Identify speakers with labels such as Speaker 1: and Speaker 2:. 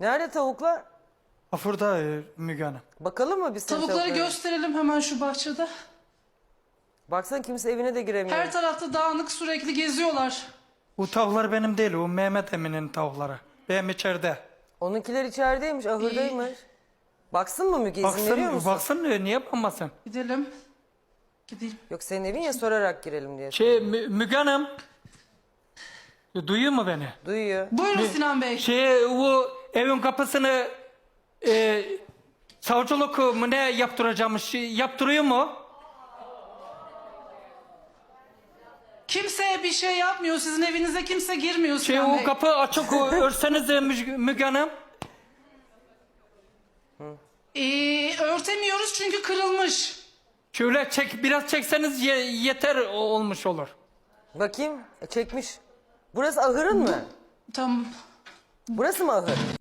Speaker 1: Nerede tavuklar?
Speaker 2: Afurda Müge Hanım.
Speaker 1: Bakalım mı biz senin
Speaker 3: Tavukları
Speaker 1: tavuklara?
Speaker 3: gösterelim hemen şu bahçede.
Speaker 1: Baksana kimse evine de giremiyor.
Speaker 3: Her tarafta dağınık, sürekli geziyorlar.
Speaker 2: O tavuklar benim değil, o Mehmet Emin'in tavukları. Benim içeride.
Speaker 1: Onunkiler içerideymiş, ahırdaymış. Baksın mı Müge, izin veriyor musun?
Speaker 2: Baksın niye bakmasın?
Speaker 3: Gidelim. Gideyim.
Speaker 1: Yok senin evin ya, sorarak girelim diye.
Speaker 2: Müge Hanım. Duyuyor mu beni?
Speaker 1: Duyuyor.
Speaker 3: Buyurun Sinan Bey.
Speaker 2: O evin kapısını savcılık mı ne yaptıracakmış? Yaptırıyor mu?
Speaker 3: Kimseye bir şey yapmıyor. Sizin evinize kimse girmiyor Sinan
Speaker 2: O
Speaker 3: Bey.
Speaker 2: kapı açık, örseniz Müge Hanım.
Speaker 3: Örtemiyoruz çünkü kırılmış.
Speaker 2: Şöyle biraz çekseniz yeter olmuş olur.
Speaker 1: Bakayım, çekmiş. Burası ahırın mı?
Speaker 3: Tamam.
Speaker 1: Burası mı ahır?